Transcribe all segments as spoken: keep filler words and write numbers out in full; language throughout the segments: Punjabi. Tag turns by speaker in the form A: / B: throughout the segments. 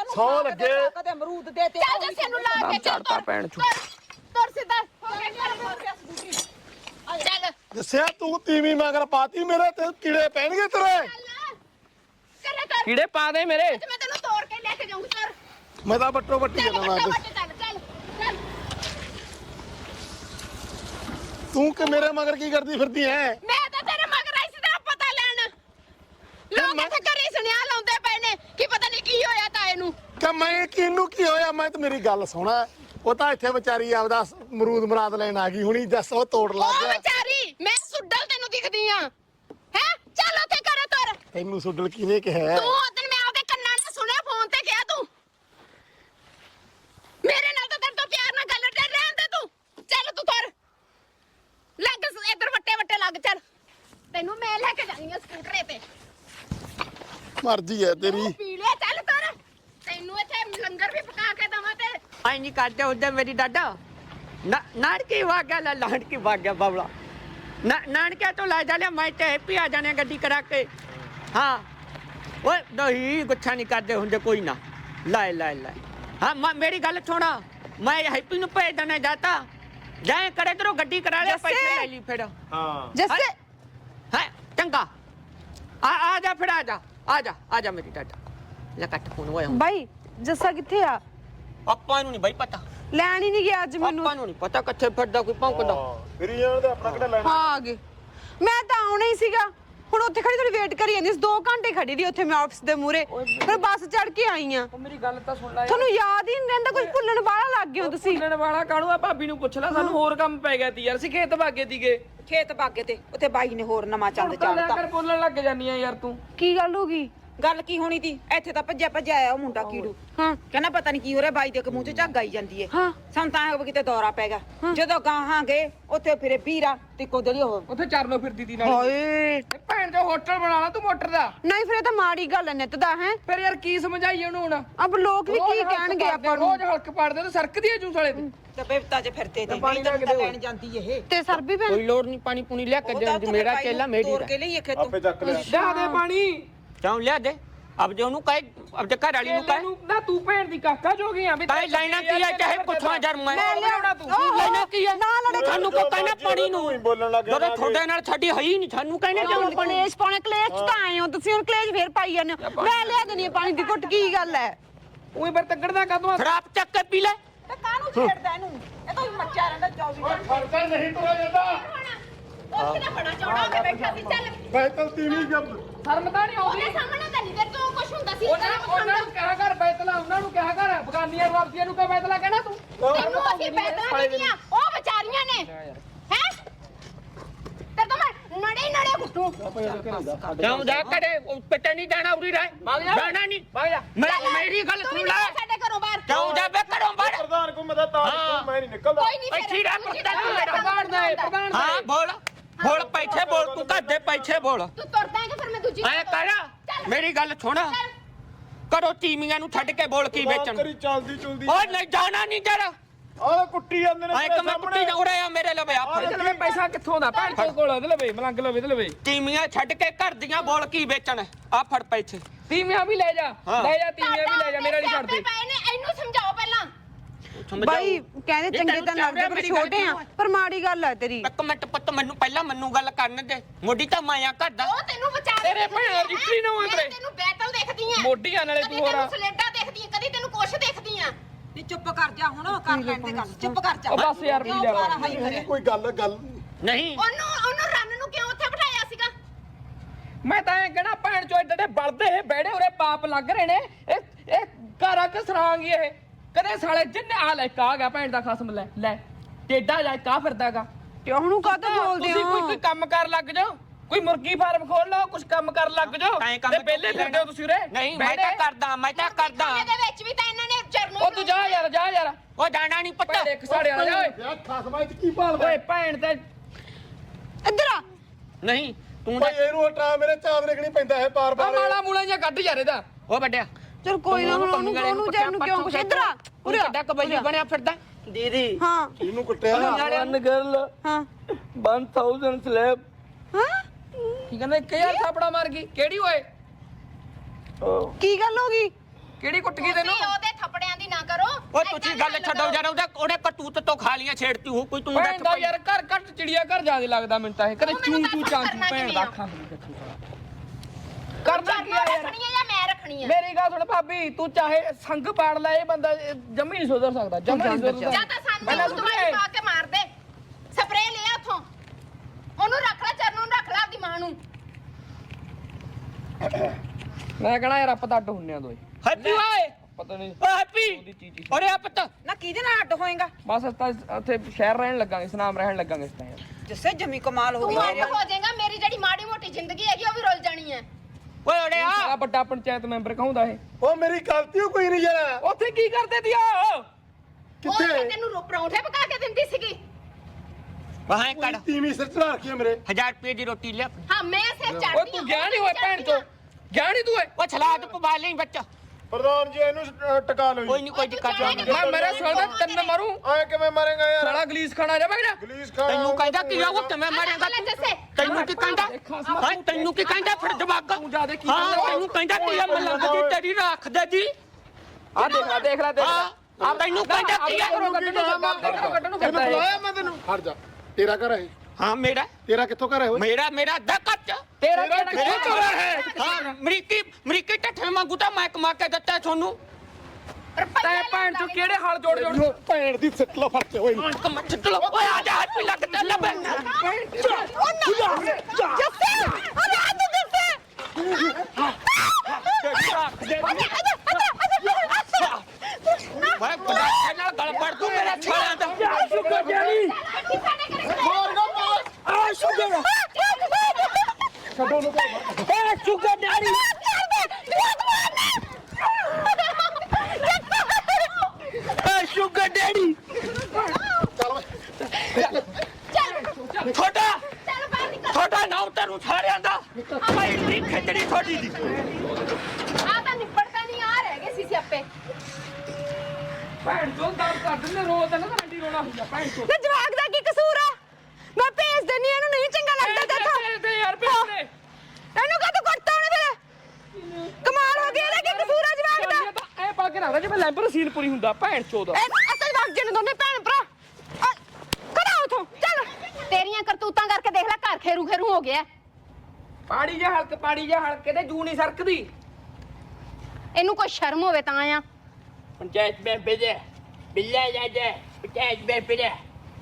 A: ਸੌ ਲੱਗੇ
B: ਕਦੇ ਅਮਰੂਦ ਦੇ ਤੇ
C: ਚੱਲ ਜੱਸੇ ਨੂੰ ਲਾ ਕੇ ਚੱਲ ਤੁਰ
D: ਭੈਣ ਚੋ
C: ਤੁਰ ਸਿੱਧਾ ਚੱਲ
A: ਦੱਸਿਆ ਤੂੰ ਤੀਵੀਂ ਮਗਰ ਪਾਤੀ ਮੇਰੇ ਤੇ ਕੀੜੇ ਪੈਣਗੇ ਤੇਰੇ
C: ਕਰੇ ਕਰ
D: ਕੀੜੇ ਪਾ ਦੇ ਮੇਰੇ
C: ਮੈਂ ਤੈਨੂੰ ਤੋੜ ਕੇ ਲੈ ਕੇ ਜਾਊਂ ਤੁਰ
A: ਮੈਂ ਤਾਂ ਬੱਟੋ ਬੱਟੀ
C: ਚੱਲ
A: ਜਾਣਾ ਮੈਂ
C: ਚੱਲ ਚੱਲ ਚੱਲ
A: ਤੂੰ ਕਿ ਮੇਰੇ ਮਗਰ ਕੀ ਕਰਦੀ ਫਿਰਦੀ ਐ
C: ਮੈਂ ਤਾਂ ਤੇਰੇ ਮਗਰ ਆਈ ਸੀ ਤੇਰਾ ਪਤਾ ਲੈਣ ਲੋਕ ਇੱਥੇ ਘਰੇ ਸੁਨਿਆ ਲਾਉਂਦੇ ਪਏ ਨੇ ਕਿ ਪਤਾ ਨਹੀਂ ਕੀ ਹੋਇਆ ਤਾਏ ਨੂੰ
A: ਕਿ ਮੈਂ ਕਿਹਨੂੰ ਕੀ ਹੋਇਆ ਮੈਂ ਤਾਂ ਮੇਰੀ ਗੱਲ ਸੁਣਾ ਉਹ ਤਾਂ ਇੱਥੇ ਵਿਚਾਰੀ ਆਪਦਾ ਮਰੂਦ ਮਰਾਦ ਲੈਣ ਆ ਗਈ ਹੁਣੀ ਦੱਸ ਉਹ ਤੋੜ ਲਾ
C: ਉਹ
A: ਗਿਆ
C: ਵਿਚਾਰੀ ਮੈਂ ਸੁੱਡਲ ਤੈਨੂੰ ਦਿਖਦੀ ਆ ਹੈ ਚੱਲ ਉੱਥੇ ਘਰੇ ਤੁਰ
A: ਤੈਨੂੰ ਸੁੱਡਲ ਕਿਹਨੇ ਕਿਹਾ
C: ਤੂੰ ਉਦੋਂ ਮੈਂ ਆਪਦੇ ਕੰਨਾਂ ਨਾਲ ਸੁਣਿਆ ਫੋਨ ਤੇ ਕਿਹਾ ਤੂੰ ਮੇਰੇ ਨਾਲ ਤਾਂ ਤੇਰੇ ਤੋਂ ਪਿਆਰ ਨਾਲ ਗੱਲ ਕਰ ਰਹਿਣ ਦੇ ਤੂੰ ਚੱਲ ਤੂੰ ਤੁਰ ਲੱਗ ਇੱਧਰ ਵੱਟੇ ਵੱਟੇ ਲੱਗ ਚੱਲ ਤੈਨੂੰ ਮੈਂ ਲੈ ਕੇ ਜਾਣੀ ਆ ਸਕੂਟਰੇ ਤੇ
A: ਮਰਜ਼ੀ ਐ ਤੇਰੀ
C: ਤੂੰ ਪੀ ਲਿਆ ਚੱਲ ਤੁਰ ਤੈਨੂੰ ਇੱਥੇ ਲੰਗਰ ਵੀ ਪਕਾ ਕੇ ਦਵਾਂ ਤੇ
D: ਆਈ ਨਹੀਂ ਕਰਦੇ ਉਹਦੇ ਮੇਰੀ ਡਾਡਾ ਨਾ ਨਾਨਕੀ ਵਾ ਗਿਆ ਲਾ ਲਾਂਡਕੀ ਵਾ ਗਿਆ ਬਾਬਲਾ ਨਾ ਨਾਨਕੇ ਤੋਂ ਲੈ ਜਾ ਲਿਆ ਮੈਂ ਤੇ ਹੈਪੀ ਆ ਜਾਣੇ ਗੱਡੀ ਕਰਾ ਕੇ ਹਾਂ ਓਏ ਨਹੀਂ ਗੁੱਛਾ ਨਹੀਂ ਕਰਦੇ ਹੁੰਦੇ ਕੋਈ ਨਾ ਲੈ ਲੈ ਲੈ ਹਾਂ ਮੈਂ ਮੇਰੀ ਗੱਲ ਸੁਣਾ ਮੈਂ ਹੈਪੀ ਨੂੰ ਭੇਜ ਦੇਣਾ ਜਾਤਾ ਜਾਏ ਕਰੇ ਕਰੋ ਗੱਡੀ ਕਰਾ ਲਿਆ ਪੈਸੇ ਲੈ ਲਈ ਫਿਰ
A: ਹਾਂ
C: ਜੱਸੇ
D: ਹੈ ਚੰਗਾ ਆ ਆ ਜਾ ਫਿਰ ਆ ਜਾ ਆ ਜਾ ਆ ਜਾ ਮੇਰੀ ਡਾਡਾ ਲੈ ਕੱਟ ਫੋਨ ਹੋਇਆ
B: ਬਾਈ ਜੱਸਾ ਕਿੱਥੇ ਆ
D: ਆਪਾਂ ਨੂੰ ਨਹੀਂ ਬਾਈ ਪਤਾ
B: ਲੈਣ ਹੀ ਨਹੀਂ ਗਿਆ ਅੱਜ ਮੈਨੂੰ
D: ਆਪਾਂ ਨੂੰ ਨਹੀਂ ਪਤਾ ਕਿੱਥੇ ਫਿਰਦਾ ਕੋਈ ਭੌਂਕਦਾ
A: ਫਿਰ ਜਾਣ ਦੇ ਆਪਣਾ ਕਿਹੜਾ ਲੈਣਾ
B: ਹਾਂ ਆ ਗਏ ਮੈਂ ਤਾਂ ਆਉਣਾ ਹੀ ਸੀਗਾ ਹੁਣ ਉੱਥੇ ਖੜੀ ਥੋੜੀ ਵੇਟ ਕਰੀ ਜਾਂਦੀ ਸੀ ਦੋ ਘੰਟੇ ਖੜੀ ਰਹੀ ਉੱਥੇ ਮੈਂ ਆਫਿਸ ਦੇ ਮੂਹਰੇ ਫਿਰ ਬੱਸ ਚੜ ਕੇ ਆਈ ਆ
D: ਉਹ ਮੇਰੀ ਗੱਲ ਤਾਂ ਸੁਣ ਲੈ
B: ਤੁਹਾਨੂੰ ਯਾਦ ਹੀ ਨਹੀਂ ਰਹਿੰਦਾ ਕੁਝ ਭੁੱਲਣ ਵਾਲਾ ਲੱਗ ਗਏ ਹੋ ਤੁਸੀਂ
D: ਭੁੱਲਣ ਵਾਲਾ ਕਾਹਨੂੰ ਆ ਭਾਬੀ ਨੂੰ ਪੁੱਛ ਲੈ ਸਾਨੂੰ ਹੋਰ ਕੰਮ ਪੈ ਗਿਆ ਤੀ ਯਾਰ ਅਸੀਂ ਖੇਤ ਭਾਗੇ ਤੀਗੇ
B: ਖੇਤ ਬਾਗੇ ਤੇ ਉੱਥੇ ਬਾਈ ਨੇ ਹੋਰ ਨਵਾਂ ਚੰਦ ਚਾੜਤਾ
D: ਕਰ ਬੋਲਣ ਲੱਗ ਜਾਨੀ ਆ ਯਾਰ ਤੂੰ
B: ਕੀ ਗੱਲ ਹੋ ਗਈ
E: ਗੱਲ ਕੀ ਹੋਣੀ ਤੀ ਇੱਥੇ ਤਾਂ ਭੱਜਿਆ ਭੱਜਿਆ ਆਇਆ ਉਹ ਮੁੰਡਾ ਕੀੜੂ
B: ਹਾਂ
E: ਕਹਿੰਦਾ ਪਤਾ ਨਹੀਂ ਕੀ ਹੋ ਰਿਹਾ ਬਾਈ ਦੇ ਮੂੰਹ ਚ ਝੱਗ ਆਈ ਜਾਂਦੀ ਏ
B: ਹਾਂ
E: ਸਾਨੂੰ ਤਾਂ ਐਂ ਕਿਤੇ ਦੌਰਾ ਪੈ ਗਿਆ ਜਦੋਂ ਗਾਹਾਂ ਗਏ ਉੱਥੇ ਫਿਰੇ ਵੀਰਾ ਤੇ ਕੋਦਲੀ ਹੋ
D: ਉੱਥੇ ਚਰਨੋ ਫਿਰਦੀ ਤੀ ਨਾਲ
B: ਹਾਏ
D: ਭੈਣ ਜੋ ਹੋਟਲ ਬਣਾ ਲਾ ਤੂੰ ਮੋਟਰ ਦਾ
B: ਨਹੀਂ ਫਿਰ ਇਹ ਤਾਂ ਮਾੜੀ ਗੱਲ ਹੈ ਨਿੱਤ ਦਾ ਹੈ
D: ਫਿਰ ਯਾਰ ਕੀ ਸਮਝਾਈ ਉਹਨੂੰ ਹੁਣ
B: ਅਬ ਲੋਕ ਵੀ ਕੀ ਕਹਿਣਗੇ ਆਪਾਂ ਨੂੰ
D: ਰੋਜ਼ ਹਲਕ ਪੜਦੇ ਤੇ ਸਰਕਦੀ ਐ ਜੂਸ ਵਾਲੇ ਦੀ
E: ਤੇ ਬੇਵਤਾ ਚ ਫਿਰਤੇ ਤੇ
D: ਪਾਣੀ
E: ਨਹੀਂ
D: ਲੈ ਕੇ
E: ਤਾਂ
D: ਦਿਓ।
E: ਲੈਣ ਜਾਂਦੀ ਇਹ
B: ਤੇ ਸਰ ਵੀ ਭੈਣ
D: ਕੋਈ ਲੋੜ ਨਹੀਂ ਪਾਣੀ ਪੂਣੀ ਲਿਆ ਕੇ ਦੇ ਮੇਰਾ ਚੇਲਾ ਮੇਰੀ
E: ਤੋੜ ਕੇ ਲਈਏ ਖੇਤੋਂ
A: ਆਪੇ ਚੱਕ ਲਿਆ
D: ਲਿਆ ਦੇ ਪਾਣੀ ਕਿਉਂ ਲਿਆ ਦੇ ਅਬ ਜੇ ਉਹਨੂੰ ਕਹੇ ਅਬ ਜੇ ਘਰ ਵਾਲੀ ਨੂੰ ਕਹੇ ਨਾ ਤੂੰ ਭੈਣ ਦੀ ਕਾਕਾ ਜੋਗੀਆਂ ਵੀ ਤਾਂ ਲੈਣਾ ਕੀ ਹੈ ਚਾਹੇ ਪੁੱਛਾਂ ਜਰ ਮੈਂ
B: ਲਿਆਉਣਾ
D: ਤੂੰ ਲੈਣਾ ਕੀ ਹੈ
B: ਨਾ ਲੜੇ
D: ਸਾਨੂੰ ਕੋ ਕਹਿਣਾ ਪਾਣੀ ਨੂੰ
A: ਤੂੰ ਹੀ ਬੋਲਣ ਲੱਗ
D: ਜਦੋਂ ਤੁਹਾਡੇ ਨਾਲ ਸਾਡੀ ਹੈ ਹੀ ਨਹੀਂ ਸਾਨੂੰ ਕਹਿਣਾ
B: ਕਿਉਂ
D: ਕਿਉਂ ਪਾਣੀ
B: ਕਲੇਸ਼ ਪਾਉਣੇ ਕਲੇਸ਼ ਚ ਤਾਂ ਆਏ ਹੋ ਤੁਸੀਂ ਹੁਣ ਕਲੇਸ਼ ਫੇਰ ਪਾਈ ਜਾਂਦੇ ਹੋ ਮੈਂ ਲਿਆ ਦੇਣੀ ਆ ਪਾਣੀ ਦੀ ਘੁੱਟ ਕੀ ਗੱਲ ਹੈ
D: ਉਹੀ ਪਰ ਤੱਕੜਦਾ ਕਦੋਂ ਖਰਾਬ ਚੱਕ ਕੇ ਪੀ ਲੈ
E: ਤੇ ਕਾਹਨੂੰ ਛੇੜਦਾ ਇਹਨੂੰ ਇਹ ਤਾਂ ਮੱਚਾ ਰਹਿੰਦਾ ਚੌਵੀ ਘੰਟੇ
A: ਖਰਚਾ ਨਹੀਂ ਤੁਰਿਆ ਜਾਂਦਾ
C: ਉਹ ਕਿਹੜਾ ਬੜਾ ਚੌੜਾ ਹੋ ਕੇ ਬੈਠਾ ਸੀ ਚੱਲ
A: ਮੈਂ ਤਾਂ ਤੀਵੀਂ ਜਬ
D: ਸ਼ਰਮ ਤਾਂ ਨਹੀਂ ਆਉਂਦੀ
C: ਉਹਦੇ ਸਾਹਮਣੇ ਤਾਂ ਨਹੀਂ ਤੇਰੇ ਤੋਂ ਕੁਝ ਹੁੰਦਾ ਸੀ
D: ਉਹਨਾਂ ਉਹਨਾਂ ਨੂੰ ਕਿਹਾ ਕਰ ਬੈਤਲਾ ਉਹਨਾਂ ਨੂੰ ਕਿਹਾ ਕਰ ਬਗਾਨੀਆਂ ਵਾਪਸੀਆਂ ਨੂੰ ਕਹ ਬੈਤਲਾ ਕਹਿਣਾ ਤੂੰ
C: ਤੈਨੂੰ ਅਸੀਂ ਪੈਦਾ ਨਹੀਂ ਦੀਆਂ ਉਹ ਵਿਚਾਰੀਆਂ ਨੇ ਹੈ ਤੇ ਤਾਂ ਮੈਂ ਨੜੇ ਹੀ ਨੜੇ ਘੁੱਟੂ
D: ਕਿਉਂ ਜਾ ਕਰੇ ਪਿੱਟੇ ਨਹੀਂ ਜਾਣਾ ਉਰੀ ਰਹਿ ਜਾਣਾ ਨਹੀਂ ਮੈਂ ਮੇਰੀ ਗੱਲ
C: ਤੂੰ ਵੀ
D: ਸੁਣ ਲੈ
C: ਨਿਕਲ ਸਾਡੇ ਘਰੋਂ ਬਾਹਰ
D: ਕਿਉਂ ਜਾ ਬੇ ਘਰੋਂ ਬਾਹਰ
A: ਪ੍ਰਧਾਨ ਕੋ ਮਦਦ ਤਾਂ ਮੈਂ ਨਹੀਂ ਨਿਕਲਦਾ
C: ਕੋਈ ਨਹੀਂ
D: ਇੱਥੇ ਰਹਿ ਪੁੱਤਾਂ ਤੂੰ ਮੇਰਾ ਪ੍ਰਧਾਨ ਹਾਂ ਬੋਲ ਬੋਲ ਪੈਸੇ ਬੋਲ ਤੂੰ ਘਰ ਦੇ ਪੈਸੇ ਬੋਲ
C: ਤੂੰ ਤੁਰਦਾ ਹੈ ਕਿ ਫਿਰ ਮੈਂ ਦੂਜੀ
D: ਐ ਕਰ ਮੇਰੀ ਗੱਲ ਸੁਣ ਕਰੋ ਤੀਮੀਆਂ ਨੂੰ ਛੱਡ ਕੇ ਬੋਲ ਕੀ ਵੇਚਣ
A: ਕਰੀ ਚੱਲਦੀ ਚੁਲਦੀ
D: ਓਏ ਨਹੀਂ ਜਾਣਾ ਨਹੀਂ ਜਰਾ
A: ਆਹ ਕੁੱਟੀ ਜਾਂਦੇ ਨੇ
D: ਐ ਕਿ ਮੈਂ ਕੁੱਟੀ ਜਾ ਉਰੇ ਆ ਮੇਰੇ ਲਵੇ ਆ
F: ਲਵੇ ਪੈਸਾ ਕਿੱਥੋਂ ਦਾ ਭੈਣ ਚੋ ਕੋਲ ਉਹਦੇ ਲਵੇ ਮਲੰਗ ਲਵੇ ਤੇ ਲਵੇ
D: ਤੀਮੀਆਂ ਛੱਡ ਕੇ ਘਰ ਦੀਆਂ ਬੋਲ ਕੀ ਵੇਚਣ ਆ ਫੜ ਪੈਸੇ
F: ਤੀਵੀਆਂ ਵੀ ਲੈ ਜਾ
D: ਹਾਂ।
F: ਲੈ ਜਾ ਤੀਵੀਆਂ ਵੀ ਲੈ ਜਾ ਮੇਰਾ ਨਹੀਂ ਛੱਡਦੇ
C: ਪਏ ਨੇ ਇਹਨੂੰ ਸਮਝਾਓ ਪਹਿਲਾਂ
B: ਬਾਈ ਕਹਿੰਦੇ ਚੰਗੇ ਤਾਂ ਲੱਗਦੇ ਪਰ ਛੋਟੇ ਆ ਪਰ ਮਾੜੀ ਗੱਲ ਹੈ ਤੇਰੀ
D: ਇੱਕ ਮਿੰਟ ਪੁੱਤ ਮੈਨੂੰ ਪਹਿਲਾਂ ਮੈਨੂੰ ਗੱਲ ਕਰਨ ਦੇ ਮੋਢੀ ਤਾਂ ਮਾਇਆ ਘਰ ਦਾ
C: ਉਹ ਤੈਨੂੰ ਵਿਚਾਰ
F: ਤੇਰੇ ਭੈਣ ਰਿਸ਼ਤੀ ਨਾ ਹੋਏ
C: ਮੈਂ
F: ਤੇਰੇ।
C: ਤੈਨੂੰ ਬੈਤਲ ਦੇਖਦੀ ਆ
F: ਮੋਢੀਆਂ ਨਾਲੇ ਤੂੰ ਹੋਰ ਆ।
C: ਕਦੀ ਤੈਨੂੰ ਸਲੇਡਾ ਦੇਖਦੀ ਆ ਕਦੀ ਤੈਨੂੰ ਕੁਛ ਦੇਖਦੀ ਆ
E: ਨਹੀਂ ਚੁੱਪ ਕਰ ਜਾ ਹੁਣ ਕਰ ਲੈਣ ਦੇ ਗੱਲ ਚੁੱਪ ਕਰ ਜਾ
F: ਉਹ ਬਸ ਯਾਰ ਪੀ ਲੈ
E: ਬਾਰਾ ਹਾਈ ਕਰੇ
A: ਕੋਈ ਗੱਲ ਗੱਲ
D: ਨਹੀਂ
C: ਉਹਨੂੰ ਉਹਨੂੰ ਰੰਨ ਨੂੰ ਕਿਉਂ ਉੱਥੇ ਬਿਠਾਇਆ ਸੀਗਾ
F: ਮੈਂ ਤਾਂ ਇਹ ਕਹਿਣਾ ਭੈਣ ਚੋ ਏਡੇ ਬਲਦੇ ਇਹ ਬੈੜੇ ਉਰੇ ਪਾਪ ਲੱਗ ਰਹੇ ਨੇ ਇਹ ਇਹ ਘਰਾਂ ਕਿ ਸਰਾਂਗੀ ਇਹ ਕਦੇ ਸਾਲੇ ਜਿੰਨੇ ਆ ਲੈ ਕਾ ਗਿਆ ਭੈਣ ਦਾ ਖਸਮ ਲੈ ਲੈ ਟੇਡਾ ਜਾ ਕਾ ਫਿਰਦਾਗਾ
B: ਤੇ ਉਹਨੂੰ ਕਾਹਤੋਂ ਬੋਲਦੇ
F: ਤੁਸੀਂ ਕੋਈ
B: ਹੋ
F: ਕੋਈ ਕੰਮ ਕਰ ਲੱਗ ਜਾਓ ਕੋਈ ਮੁਰਗੀ ਫਾਰਮ ਖੋਲ ਲਓ ਕੁਝ ਕੰਮ ਕਰ ਲੱਗ ਜਾਓ
D: ਐਂ ਕੰਮ
F: ਤੇ ਪਹਿਲੇ ਫਿਰਦੇ ਹੋ ਤੁਸੀਂ ਉਰੇ
D: ਨਹੀਂ ਮੈਂ ਤਾਂ ਕਰਦਾ ਮੈਂ ਤਾਂ ਕਰਦਾ
C: ਇਹਦੇ ਵਿੱਚ ਵੀ ਤਾਂ ਇਹਨਾਂ ਨੇ ਚਰਨੋਂ
F: ਉਹ ਤੂੰ ਜਾ ਯਾਰ ਜਾ ਯਾਰ
D: ਉਹ ਜਾਣਾ ਨਹੀਂ ਪੁੱਤ
F: ਭੈੜੇ ਖਸਾੜੇ ਵਾਲਾ ਜਾ ਓਏ
A: ਯਾਰ ਖਸਮਾਂ ਚ ਕੀ ਭਾਲਦਾ
F: ਓਏ ਭੈਣ ਤੇ
B: ਇੱਧਰ ਆ
D: ਨਹੀਂ ਤੂੰ
A: ਭਾਈ ਇਹਨੂੰ ਹਟਾ ਮੇਰੇ ਚਾਵ ਰਖਣੀ ਪੈਂਦਾ ਹੈ ਪਾਰ
F: ਆ
A: ਪਾਰ
F: ਮਾਲਾ ਮੂਲਾ ਜਾਂ ਕੱਢ ਯਾਰ ਇਹਦਾ
D: ਉਹ ਵੱਡਿਆ
B: ਚਲ ਕੋਈ ਨਾ ਹੁਣ ਉਹਨੂੰ ਉਹਨੂੰ ਜਾਣ ਨੂੰ ਕਿਉਂ ਕੁਛ ਇੱਧਰ ਆ ਉਰੇ ਆ
D: ਕਿੱਡਾ ਕਬੱਲੀ ਬਣਿਆ ਫਿਰਦਾ
F: ਦੀਦੀ
B: ਹਾਂ
A: ਇਹਨੂੰ ਕੁੱਟਿਆ
F: ਵਨ ਗਰਲ
B: ਹਾਂ
F: ਹਜ਼ਾਰ ਸਲੈਬ
B: ਹਾਂ
F: ਕੀ ਕਹਿੰਦਾ ਇੱਕ ਹਜ਼ਾਰ ਥਾਪੜਾ ਮਾਰ ਗਈ ਕਿਹੜੀ ਓਏ
B: ਕੀ ਗੱਲ ਹੋ ਗਈ
F: ਕਿਹੜੀ ਕੁੱਟ ਗਈ ਤੈਨੂੰ
C: ਤੁਸੀਂ ਉਹਦੇ ਥੱਪੜਿਆਂ ਦੀ ਨਾ ਕਰੋ
D: ਓਏ ਤੁਸੀਂ ਗੱਲ ਛੱਡੋ ਯਾਰ ਉਹਦਾ ਉਹਨੇ ਕਟੂਤ ਤੋਂ ਖਾਲੀਆਂ ਛੇੜਤੀ ਹੋ ਕੋਈ ਤੂੰ
F: ਭੈਣ ਦਾ ਯਾਰ ਘਰ ਘੱਟ ਚਿੜੀਆ ਘਰ ਜਿਆਦਾ ਲੱਗਦਾ ਮੈਨੂੰ ਤਾਂ ਇਹ ਕਦੇ
C: ਤੂੰ
F: ਚੂ
C: ਮੈਨੂੰ
F: ਚੂ
C: ਦੱਸ
F: ਚਾਂਚੂ
C: ਕਰਨਾ
F: ਭੈਣ
C: ਕੀ
F: ਦਾ
C: ਆ?
F: ਅੱਖਾਂ ਕਰਦਾ ਕੀ ਆ ਯਾਰ
C: ਰੱਖਣੀ ਆ ਜਾਂ ਮੈਂ ਰੱਖਣੀ ਆ
F: ਮੇਰੀ ਗੱਲ ਸੁਣ ਭਾਬੀ ਤੂੰ ਚਾਹੇ ਸੰਗ ਪਾੜ ਲੈ ਇਹ ਬੰਦਾ ਜੰਮੀ ਨਹੀਂ ਸੁਧਰ ਸਕਦਾ ਜੰਮੀ ਨਹੀਂ ਸੁਧਰ
C: ਜਾਂ
F: ਸਕਦਾ
C: ਤਾਂ
F: ਪਹਿਲਾਂ
C: ਸਾਨੂੰ
F: ਸੁਧਰੇ।
C: ਦਵਾਈ ਪਾ ਕੇ ਮਾਰ ਦੇ ਸਪਰੇ ਲਿਆ ਉਥੋਂ ਉਹਨੂੰ ਰੱਖ ਲੈ ਚਰਨੋਂ ਨੂੰ ਰੱਖ ਲੈ ਆਪਦੀ ਮਾਂ ਨੂੰ
F: ਮੈਂ ਕਹਣਾ ਯਾਰ ਆਪਾਂ ਤਾਂ ਅੱਡ ਹੁੰਨੇ ਆ ਦੋਏ
D: ਹੈਪੀ ਓਏ
F: ਪਤਾ ਨਹੀਂ
D: ਓ ਹੈਪੀ ਓਰੇ ਆ ਪੁੱਤ
E: ਨਾ ਕਿਹਦੇ ਨਾਲ ਅੱਡ ਹੋਏਗਾ
F: ਬਸ ਅਸੀਂ ਤਾਂ ਉੱਥੇ ਸ਼ਹਿਰ ਰਹਿਣ ਲੱਗਾਂਗੇ ਸਨਾਮ ਰਹਿਣ ਲੱਗਾਂਗੇ ਇਸ ਤਾਂ ਯਾਰ
E: ਜਿਸੇ ਜਮੀ ਕਮਾਲ ਹੋ
C: ਤੂੰ
E: ਗਈ
C: ਅੱਡ ਹੋ ਜਾਏਗਾ ਮੇਰੀ ਜਿਹੜੀ ਮਾੜੀ ਮੋਟੀ ਜ਼ਿੰਦਗੀ ਹੈਗੀ ਉਹ ਵੀ ਰੁਲ ਜਾਣੀ ਹੈ
D: ਓਏ ਓਰੇ ਆ
F: ਸਾਰਾ ਵੱਡਾ ਪੰਚਾਇਤ ਮੈਂਬਰ ਕਹਾਉਂਦਾ ਇਹ
A: ਉਹ ਮੇਰੀ ਗਲਤੀ ਓ ਕੋਈ ਨਹੀਂ ਯਾਰ
F: ਉੱਥੇ ਕੀ ਕਰਦੇ ਦਿਆ
C: ਉਹ
A: ਕਿੱਥੇ
C: ਤੇ ਤੈਨੂੰ ਰੋ- ਪਰੌਂਠੇ ਪਕਾ ਕੇ ਦਿੰਦੀ ਸੀਗੀ
D: ਵਾਹਾਂ ਕੱਢ
A: ਤੀਵੀਂ ਸਿਰ ਚੜਾ ਰੱਖੀ ਆ ਮੇਰੇ
D: ਹਜ਼ਾਰ ਰੁਪਏ ਦੀ ਰੋਟੀ ਲਿਆ
C: ਹਾਂ ਮੈਂ ਸਿਰ
F: ਓਏ
C: ਚੜਦੀ
F: ਤੂੰ ਗਿਆ ਨਹੀਂ ਹੋਇਆ ਭੈਣ ਚੋ ਗਿਆ ਨਹੀਂ ਤੂੰ ਓਏ
D: ਓ ਛਲਾਦ ਪਵਾ ਲਈ ਬੱਚਾ
A: ਪ੍ਰਧਾਨ ਜੀ ਇਹਨੂੰ ਅਹ, ਟਕਾ ਲਓ
D: ਕੋਈ
A: ਜੀ
D: ਨਹੀਂ ਕੋਈ ਦਿੱਕਤ ਨਹੀਂ
F: ਮੈਂ ਮੇਰੇ ਸਾਲ ਦਾ ਤਿੰਨ ਮਾਰੂ
A: ਆਏ ਕਿਵੇਂ ਮਾਰੇਗਾ ਯਾਰ
F: ਸਾਲਾ ਗਲੀਸ ਖਾਣਾ ਜਾਵੇ ਨਾ
A: ਗਲੀਸ ਖਾ
D: ਤੈਨੂੰ ਕਹਿੰਦਾ ਕੀ ਆ ਉਹ ਕਿਵੇਂ ਮਾਰੇਗਾ
C: ਲੈ ਜੱਸੇ
D: ਤੈਨੂੰ ਕੀ ਕਹਿੰਦਾ ਹਾਂ ਤੈਨੂੰ ਕੀ ਕਹਿੰਦਾ ਫਿਰ ਜਵਾਕ
F: ਤੂੰ ਜ਼ਿਆਦਾ ਕੀ
D: ਹਾਂ ਤੈਨੂੰ ਕਹਿੰਦਾ ਕੀ ਆ ਮਲੰਗ ਦੀ ਤੇਰੀ ਰੱਖ ਦੇ ਜੀ
F: ਆ ਦੇਖ ਲੈ ਦੇਖ ਲੈ ਦੇਖ ਲੈ
D: ਆ ਤੈਨੂੰ ਕਹਿੰਦਾ ਕੀ ਆ
F: ਕਰੋ ਕੱਢਣ ਨੂੰ ਕਰਦਾ ਕੱਢਣ ਨੂੰ
A: ਤੈਨੂੰ
F: ਕਰਦਾ ਇਹ।
A: ਬੁਲਾਇਆ ਮੈਂ ਤੈਨੂੰ ਹਟ ਜਾ ਤੇਰਾ ਘਰ ਹੈ
D: ਹਾਂ ਮੇਰਾ
A: ਤੇਰਾ ਕਿੱਥੋਂ ਘਰ ਹੈ ਓਏ
D: ਮੇਰਾ ਮੇਰਾ ਅੱਧਾ ਕੱਚ
F: ਤੇਰਾ
A: ਤੇਰਾ
F: ਕਿਹੜਾ
A: ਕਿੱਥੋਂ
F: ਘਰ
A: ਘਰ ਹੈ?
D: ਹਾਂ ਅਮਰੀਕੀ ਅਮਰੀਕੀ ਟੱਠੇ ਮੰਗੂ ਤਾਂ ਮੈਂ ਕਮਾ ਕੇ ਦਿੱਤਾ ਤੁਹਾਨੂੰ
F: ਤੈ ਭੈਣ ਚੋ ਕਿਹੜੇ ਹਾਲ ਜੋੜ ਜੋੜ
A: ਜੋ ਭੈਣ ਦੀ ਸਿੱਕਲਾ ਫੜ ਕੇ ਓਏ
D: ਕਮਾ ਛੱਡ ਲੋ ਓਏ ਆ ਜਾ ਹੱਥ ਵੀ ਲੱਗ ਚੱਲ ਬੈ
B: ਜੱਸੇ ਅਰੇ ਆ ਤੂੰ ਜੱਸੇ
D: ਮੈਂ ਬੜਾ ਨਾਲ ਗਲ ਪੜ ਦੂੰ ਮੇਰਾ ਛਾਲਾਂ ਦਾ
F: ਸ਼ੁਕਰ ਜਾਨੀ
A: ਮਾਰ ਗਾ ਮਾਰ
D: ਆ ਸ਼ੁਗਰ
A: ਛੱਡੋ ਨੂੰ
D: ਏ ਸ਼ੁਗਰ ਡੈਡੀ ਏ ਸ਼ੁਗਰ ਡੈਡੀ
A: ਚੱਲ ਓਏ
D: ਛੋਟਾ
C: ਚੱਲ ਬਾਹਰ ਨਿਕਲ
D: ਛੋਟਾ ਨਾਮ ਤੈਨੂੰ ਸਾਰਿਆਂ ਦਾ ਮੈਂ ਇੰਨੀ ਖਿਚੜੀ ਥੋੜੀ ਦੀ
C: ਆ ਤਾਂ ਨਿਬੜਦਾ ਨਹੀਂ ਆ ਰਹਿ ਗਏ ਸੀ ਸਿਆਪੇ
F: ਭੈਣ ਚੋ ਦਮ ਕਰ ਦਿੰਦੇ ਰੋਜ਼ ਨਾ ਆਂਟੀ ਰੋਣਾ ਹੁੰਦਾ ਭੈਣ ਚੋ
B: ਤੇ ਜਵਾਕ ਦਾ ਕੀ ਕਸੂਰ ਆ ਮੈਂ ਭੇਜ ਦਿੰਨੀ ਆ, ਇਹਨੂੰ ਨਹੀਂ ਚੰਗਾ ਲੱਗਦਾ ਤੇਥੋਂ
F: ਤੇ ਯਾਰ ਭੈਣ ਦੇ
B: ਇਹਨੂੰ ਕਾ ਤੂੰ ਕੁੱਟਦਾ ਉਹਨੇ ਫਿਰ ਕਮਾਲ ਹੋ ਗਈ ਇਹਦਾ ਕੀ ਕਸੂਰ ਆ ਜਵਾਕ ਦਾ
F: ਤਾਂ ਐ ਪਾ ਕੇ ਰੱਖਦਾ ਜਿਵੇਂ ਲੈਂਬਰ ਸੀਲ ਪੂਰੀ ਹੁੰਦਾ ਭੈਣ ਚੋ ਦਾ
B: ਇਹ ਅਸਲ ਵਕਤ ਜਿਹਨੇ ਦੋਨੇ ਭੈਣ ਭਰਾ ਕਰਾ ਉਥੋਂ ਚੱਲ
C: ਤੇਰੀਆਂ ਕਰਤੂਤਾਂ ਕਰਕੇ ਦੇਖ ਲੈ ਘਰ ਖੇਰੂ ਖੇਰੂ ਹੋ ਗਿਆ
F: ਪਾਣੀ ਜਿਹਾ ਹਲਕ ਪਾਣੀ ਜਿਹਾ ਹਲਕੇ ਤੇ ਜੂ ਨਹੀਂ ਸਰਕਦੀ
C: ਇਹਨੂੰ ਕੋਈ ਸ਼ਰਮ ਹੋਵੇ ਤਾਂ ਆ
D: ਪੰਚਾਇਤ ਮੈਂ ਬੇਜੇ ਬਿੱਲਾ ਜਾ ਜਾ ਪੰਚਾਇਤ ਮੈਂ ਬੇਜੇ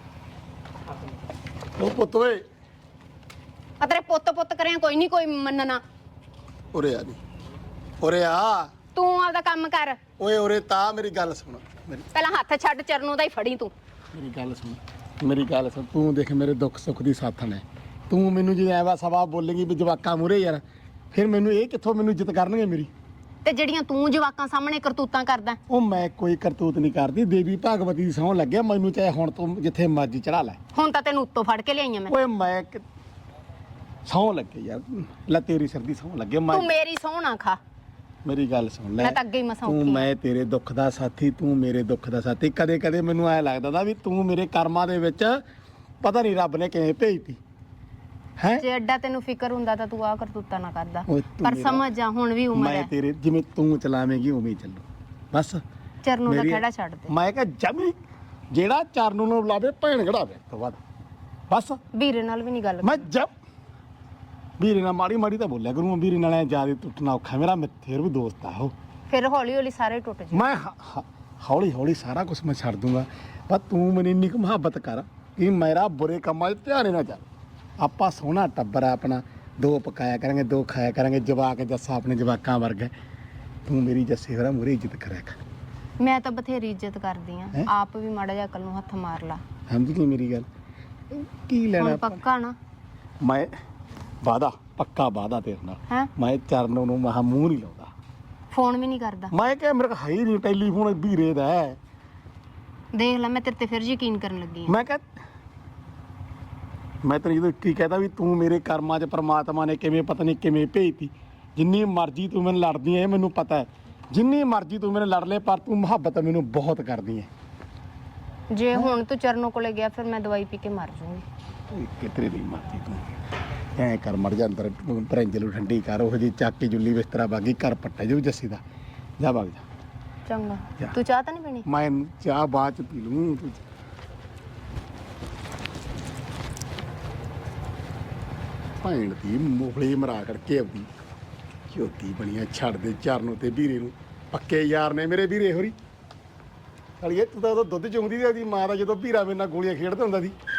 A: ਉਹ ਪੁੱਤ ਓਏ
C: ਆ ਤੇਰੇ ਪੁੱਤ ਪੁੱਤ ਕਰਿਆ ਕੋਈ ਨਹੀਂ ਕੋਈ ਮੰਨਣਾ
A: ਉਰੇ ਆ ਨੀ ਉਰੇ ਆ
C: ਤੂੰ ਆਪਦਾ ਕੰਮ ਕਰ
A: ਓਏ ਉਰੇ ਤਾਂ ਮੇਰੀ ਗੱਲ ਸੁਣ ਮੇਰੀ
C: ਪਹਿਲਾਂ ਹੱਥ ਛੱਡ ਚਰਨੋਂ ਦਾ ਹੀ ਫੜੀ ਤੂੰ
A: ਮੇਰੀ ਗੱਲ ਸੁਣ ਮੇਰੀ ਗੱਲ ਸੁਣ ਤੂੰ ਦੇਖ ਮੇਰੇ ਦੁੱਖ ਸੁੱਖ ਦੀ ਸਾਥਣ ਹੈ ਤੂੰ ਮੈਨੂੰ ਜੇ ਐਵਾ ਸਵਾ ਬੋਲੇਗੀ ਵੀ ਜਵਾਕਾਂ ਮੂਰੇ ਯਾਰ ਫਿਰ ਮੈਨੂੰ ਇਹ ਕਿੱਥੋਂ ਮੈਨੂੰ ਇੱਜ਼ਤ ਕਰਨਗੇ ਮੇਰੀ
C: ਤੇ ਜਿਹੜੀਆਂ ਤੂੰ ਜਵਾਕਾਂ ਸਾਹਮਣੇ ਕਰਤੂਤਾਂ ਕਰਦਾ
A: ਉਹ ਮੈਂ ਕੋਈ ਕਰਤੂਤ ਨਹੀਂ ਕਰਦੀ ਦੇਵੀ ਭਾਗਵਤੀ ਦੀ ਸਹੁੰ ਲੱਗਿਆ ਮੈਨੂੰ ਚਾਹੇ ਹੁਣ ਤੂੰ ਜਿੱਥੇ ਮਰਜ਼ੀ ਚੜਾ ਲੈ
C: ਹੁਣ ਤਾਂ ਤੈਨੂੰ ਉੱਤੋਂ ਫੜ ਕੇ ਲਿਆਈਆਂ ਮੈਂ
A: ਓਏ ਮੈਂ ਕਿ- ਸਹੁੰ ਲੱਗੇ ਯਾਰ ਲੈ ਤੇਰੀ ਸਿਰ ਦੀ ਸਹੁੰ ਲੱਗੇ ਮੈਂ
C: ਤੂੰ ਮੇਰੀ ਸੋਹਣਾ ਖਾ
A: ਮੇਰੀ ਗੱਲ ਸੁਣ ਲੈ
C: ਮੈਂ ਤਾਂ ਅੱਗੇ ਹੀ ਮਸਾਂ
A: ਤੂੰ
C: ਉੱਠੀ ਆਂ।
A: ਮੈਂ ਤੇਰੇ ਦੁੱਖ ਦਾ ਸਾਥੀ ਤੂੰ ਮੇਰੇ ਦੁੱਖ ਦਾ ਸਾਥੀ ਕਦੇ ਕਦੇ ਮੈਨੂੰ ਐ ਲੱਗਦਾ ਦਾ ਵੀ ਤੂੰ ਮੇਰੇ ਕਰਮਾਂ ਦੇ ਵਿੱਚ ਪਤਾ ਨਹੀਂ ਰੱਬ ਨੇ ਕਿਵੇਂ ਭੇਜਤੀ ਹੈ
C: ਜੇ ਐਡਾ ਤੈਨੂੰ ਫਿਕਰ ਹੁੰਦਾ ਤਾਂ ਤੂੰ ਆ ਕਰਤੂਤਾਂ ਨਾ ਕਰਦਾ
A: ਓਏ ਤੂੰ
C: ਪਰ
A: ਮੇਰਾ-
C: ਸਮਝ ਜਾ ਹੁਣ ਵੀ ਉਮਰ
A: ਮੈਂ
C: ਹੈ
A: ਤੇਰੇ ਜਿਵੇਂ ਤੂੰ ਚਲਾਵੇਂਗੀ ਉਵੇਂ ਹੀ ਚੱਲੂ ਬਸ
C: ਚਰਨੋਂ ਦਾ
A: ਮੇਰੀ-
C: ਖੜਾ ਛੱਡ ਦੇ
A: ਮੈਂ ਕਿਹਾ ਜਮੀ ਜਿਹੜਾ ਚਰਨੋਂ ਨੂੰ ਬੁਲਾਵੇ ਭੈਣ ਘੜਾਵੇ ਤੋਂ ਬਾਅਦ ਬਸ
C: ਵੀਰੇ ਨਾਲ ਵੀ ਨਹੀਂ ਗੱਲ
A: ਮੈਂ ਜਬ ਵੀਰੇ ਨਾਲ ਮਾੜੀ ਮਾੜੀ ਤਾਂ ਬੋਲਿਆ ਕਰੂੰ ਵੀਰੇ ਨਾਲ ਜਿਆਦਾ ਟੁੱਟਣਾ ਔਖਾ ਮੇਰਾ ਮਿੱਥੇਰ ਵੀ ਦੋਸਤ ਆ ਉਹ
C: ਫਿਰ ਹੌਲੀ ਹੌਲੀ ਸਾਰੇ ਟੁੱਟ ਜਾ
A: ਮੈਂ ਹ- ਹ- ਹੌਲੀ ਹੌਲੀ ਸਾਰਾ ਕੁਝ ਮੈਂ ਛੱਡ ਦੂੰਗਾ ਪਰ ਤੂੰ ਮੈਨੂੰ ਇੰਨੀ ਕੁ ਮੁਹੱਬਤ ਕਰ ਕਿ ਮੇਰਾ ਬੁਰੇ ਕੰਮਾਂ 'ਚ ਧਿਆਨ ਹੀ ਨਾ ਚੱਲ ਆਪਾਂ ਸੋਹਣਾ ਟੱਬਰ ਆ ਆਪਣਾ ਦੋ ਪਕਾਇਆ ਕਰਾਂਗੇ ਦੋ ਖਾਇਆ ਕਰਾਂਗੇ ਜਵਾਕ ਜੱਸਾ ਆਪਣੇ ਜਵਾਕਾਂ ਵਰਗਾ ਤੂੰ ਮੇਰੀ ਜੱਸੇ ਹੋਰਾਂ ਮੂਹਰੇ ਇੱਜ਼ਤ ਕਰਿਆ ਕਰ
C: ਮੈਂ ਤਾਂ ਬਥੇਰੀ ਇੱਜ਼ਤ ਕਰਦੀ ਆ
A: ਹੈਂ?
C: ਆਪ ਵੀ ਮਾੜਾ ਜਿਹਾ ਅਕਲ ਨੂੰ ਹੱਥ ਮਾਰ ਲਾ
A: ਸਮਝ ਗਈ ਮੇਰੀ ਗੱਲ ਕੀ ਲੈਣਾ
C: ਹੁਣ
A: ਆਪਾਂ?
C: ਪੱਕਾ ਨਾ
A: ਮੈਂ ਵਾਦਾ ਪੱਕਾ ਵਾਦਾ ਤੇਰੇ ਨਾਲ
C: ਹੈ
A: ਮੈਂ ਚਰਨੋਂ ਨੂੰ ਮਹਾ ਮੂੰਹ ਨਹੀਂ ਲਾਉਂਦਾ
C: ਫੋਨ ਵੀ ਨਹੀਂ ਕਰਦਾ
A: ਮੈਂ ਕਿਹਾ ਮੇਰੇ ਕੋਲ ਹੈ ਹੀ ਨਹੀਂ ਟੈਲੀਫੋਨ ਵੀਰੇ ਦਾ ਹੈ।
C: ਦੇਖ ਲੈ ਮੈਂ ਤੇਰੇ ਤੇ ਫਿਰ ਯਕੀਨ ਕਰਨ ਲੱਗੀ ਆ
A: ਮੈਂ ਕਿਹਾ ਮੈਂ ਤੈਨੂੰ ਜਦੋਂ ਕੀ ਕਹਤਾ ਵੀ ਤੂੰ ਮੇਰੇ ਕਰਮਾਂ 'ਚ ਪ੍ਰਮਾਤਮਾ ਨੇ ਕਿਵੇਂ ਪਤਾ ਨਹੀਂ ਕਿਵੇਂ ਭੇਜਤੀ ਜਿੰਨੀ ਮਰਜ਼ੀ ਤੂੰ ਮੈਨੂੰ ਲੜਦੀ ਐ ਇਹ ਮੈਨੂੰ ਪਤਾ ਹੈ ਜਿੰਨੀ ਮਰਜ਼ੀ ਤੂੰ ਮੈਨੂੰ ਲੜ ਲੈ ਪਰ ਤੂੰ ਮੁਹੱਬਤ ਮੈਨੂੰ ਬਹੁਤ ਕਰਦੀ ਐ
C: ਜੇ ਹੁਣ ਤੂੰ ਚਰਨੋਂ ਕੋਲੇ ਗਿਆ ਫਿਰ ਮੈਂ ਦਵਾਈ ਪੀ ਕੇ ਮਰ ਜਾਊਂਗੀ
A: ਕਿਤਰੇ ਦੀ ਮਰਜ਼ੀ ਤੂੰ ਐ ਕਰ ਮਰ ਜਾ ਅੰਦਰ ਪਰੰਜਲ ਨੂੰ ਠੰਡੀ ਕਰ ਉਹ ਜੀ ਚੱਕ ਕੇ ਜੁੱਲੀ ਬਿਸਤਰਾ ਬਾਗੀ ਘਰ ਪੱਟੇ ਜੋ ਜੱਸੀ ਦਾ ਜਾ ਵਗ ਜਾ
G: ਚੰਗਾ
A: ਜਾ।
G: ਤੂੰ ਚਾਹ ਤਾਂ ਨਹੀਂ ਪੀਣੀ
A: ਮੈਂ ਚਾਹ ਬਾਅਦ ਚ ਪੀ ਲੂੰ ਤੂੰ ਭੈਣ ਦੀ ਮੂਫਲੀ ਮਰਾ ਕਰਕੇ ਆਉਂਦੀ ਝੋਤੀ ਬਣੀਆਂ ਛੱਡ ਦੇ ਚਰਨੋਂ ਤੇ ਵੀਰੇ ਨੂੰ ਪੱਕੇ ਯਾਰ ਨੇ ਮੇਰੇ ਵੀਰੇ ਹੋਰੀ ਅਲੀਏ ਤੂੰ ਤਾਂ ਉਦੋਂ ਦੁੱਧ ਚੁੰਗਦੀ ਸੀ ਉਹਦੀ ਮਾਂ ਦਾ ਜਦੋਂ ਵੀਰਾ ਮੇਰੇ ਨਾਲ ਗੋਲੀਆਂ ਖੇਡਦਾ ਹੁੰਦਾ ਸੀ